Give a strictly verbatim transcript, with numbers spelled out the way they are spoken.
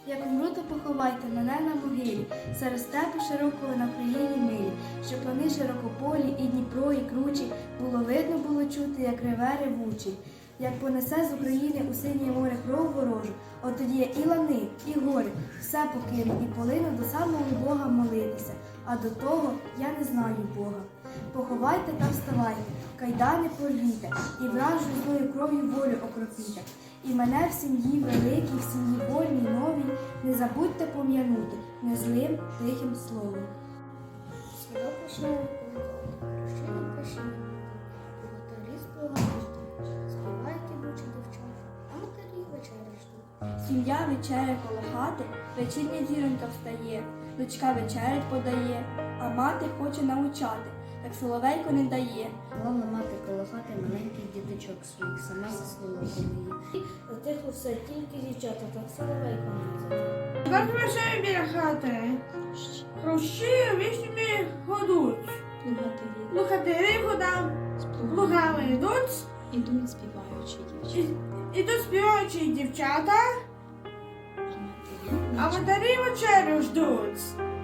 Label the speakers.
Speaker 1: Як умру, то поховайте мене на могилі, серед степу широкого на країні милі, щоб вони широкополі, і Дніпро, і кручі, було видно, було чути, як реве ревучий. Як понесе з України у синє море кров ворожу, от тоді я і лани, і гори, все покину, і полину до самого Бога молитися, а до того я не знаю Бога. Поховайте та вставайте, кайдани порвіте, і вражу злою кров'ю волю окропіте. І мене в сім'ї великій, в сім'ї вольній, новій, не забудьте пом'янути незлим тихим словом.
Speaker 2: Свідок вишневий прощення прощення, богатирі співають, співають ідучі дівчата, а матері вечері ждуть.
Speaker 1: Сім'я вечеря коло хати, вечірня зіронька встає, дочка вечерять подає, а мати хоче научати, так соловейко не дає.
Speaker 2: Головна мати коло хати маленьких діточок своїх, сама за слово її. Затихло все, тільки дівчата, так соловейко не знає.
Speaker 3: Так вечері біля хати. Хрущі вишнями годуть. Лухатирі годам лугами йдуть.
Speaker 4: Ідуть співаючі дівчата,
Speaker 3: І- Ідуть співаючі дівчата,
Speaker 4: а матері
Speaker 3: а матері вечерю ждуть.